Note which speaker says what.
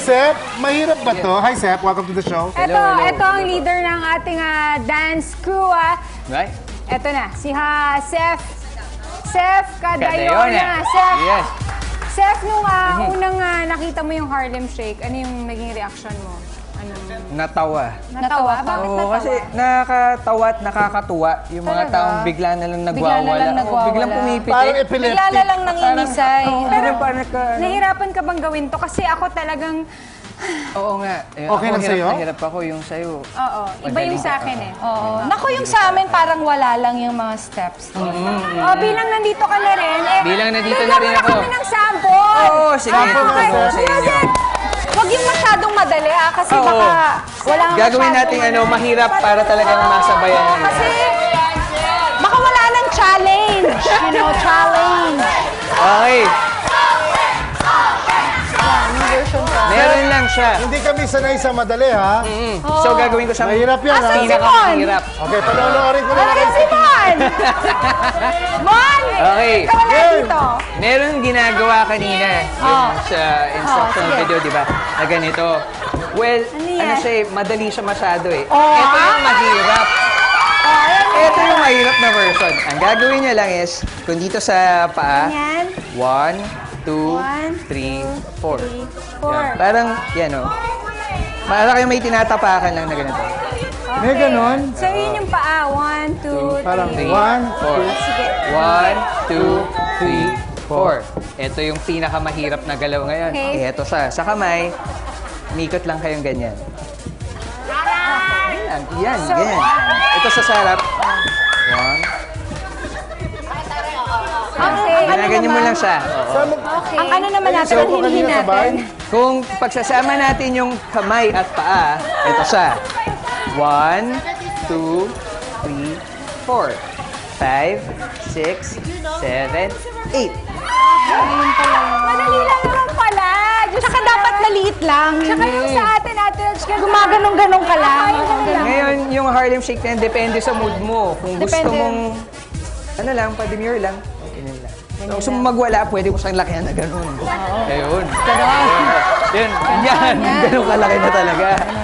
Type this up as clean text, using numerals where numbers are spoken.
Speaker 1: Seth. Mahirap ba to? Hi, Seth. Welcome to the show.
Speaker 2: Ito ang leader ng ating dance crew.
Speaker 3: Right?
Speaker 2: Ito na, si Seth Cadayona.
Speaker 3: Yes.
Speaker 2: Seth, nung unang nakita mo yung Harlem Shake, ano yung naging reaction mo?
Speaker 3: Natawa.
Speaker 2: Natawa? Bakit
Speaker 3: Oo,
Speaker 2: natawa?
Speaker 3: kasi nakakatawa at nakakatuwa yung mga
Speaker 2: Talaga?
Speaker 3: taong bigla na lang nagwawala.
Speaker 4: Bigla na lang nagwawala.
Speaker 3: Biglang pumipitik.
Speaker 1: Parang
Speaker 4: Bigla
Speaker 1: epileptic.
Speaker 4: na lang nangingisay.
Speaker 2: Pero
Speaker 3: parang
Speaker 2: nahirapan ka bang gawin to? Kasi ako talagang,
Speaker 3: Oo nga.
Speaker 1: Okay lang sa'yo?
Speaker 3: Nahirap ako yung sa'yo.
Speaker 2: oo, iba yung sa akin eh.
Speaker 4: Oo. Naku, yung sa amin parang wala lang yung mga steps.
Speaker 2: Bilang nandito ka na rin,
Speaker 3: Bilang nandito
Speaker 2: bigyan
Speaker 3: na rin
Speaker 2: mo
Speaker 3: ako.
Speaker 2: kami ng sample!
Speaker 3: Oo, sige.
Speaker 1: Sample na,
Speaker 3: Ito
Speaker 1: Seth.
Speaker 3: sa inyo.
Speaker 4: Huwag yung masyadong madali kasi
Speaker 3: Oo.
Speaker 4: baka wala
Speaker 3: Gagawin natin mahirap para talagang masabayan.
Speaker 4: Kasi baka wala ng challenge. You know, challenge.
Speaker 3: Okay. Meron lang siya.
Speaker 1: Hindi kami sanay sa madali, ha?
Speaker 3: So gagawin ko siya.
Speaker 1: Mahirap yan, ha?
Speaker 3: Pinakamahirap.
Speaker 1: Okay, panoorin ko na lang.
Speaker 2: Si Mon! Mon!
Speaker 3: Okay.
Speaker 2: Ikaw wala dito.
Speaker 3: Meron ginagawa kanina yung sa instructional
Speaker 2: sige.
Speaker 3: video, di ba? Na ganito. Well,
Speaker 2: yan?
Speaker 3: ano siya madali siya masyado eh. Ito yung mahirap. Ito yung mahirap na version. Ang gagawin niya lang is, kung dito sa paa,
Speaker 2: Yan.
Speaker 3: 1, 2, 3, 4.
Speaker 2: 4.
Speaker 3: Parang, yan o. Para kayo may tinatapakan lang na ganito.
Speaker 1: May ganon?
Speaker 2: So yun yung paa. 1, 2, 3.
Speaker 1: Parang 1, 2,
Speaker 2: Sige.
Speaker 3: 1, 2, 3, 4. Ito yung pinakamahirap na galaw ngayon.
Speaker 2: Okay.
Speaker 3: Ito sa kamay, umikot lang kayong ganyan. Yan, ganyan. Ito sa sarap. 1.
Speaker 2: Okay.
Speaker 3: Ginaganyan mo lang siya. Oo.
Speaker 2: Okay.
Speaker 4: Ang ano naman natin,
Speaker 1: Sabi
Speaker 4: ang
Speaker 1: ko
Speaker 4: hinihin
Speaker 1: kanina sabay.
Speaker 4: natin.
Speaker 3: Kung pagsasama natin yung kamay at paa, ito siya. 1, 2, 3, 4, 5, 6, 7, 8.
Speaker 2: Madali lang naman pala. Diyos
Speaker 4: Saka
Speaker 2: ko
Speaker 4: dapat
Speaker 2: naman.
Speaker 4: maliit lang.
Speaker 2: Tsaka yung sa atin,
Speaker 4: Gumaganong-ganong ka lang.
Speaker 3: Ngayon, yung Harlem Shake na yan, depende sa mood mo. Kung gusto
Speaker 4: Depende.
Speaker 3: mong, ano lang, pa-demure lang, okay lang. Kung gusto mong magwala, pwede mo siyang lakihan na gano'n. Ayun. Gano'n. Yan. Ganun kalaki na talaga.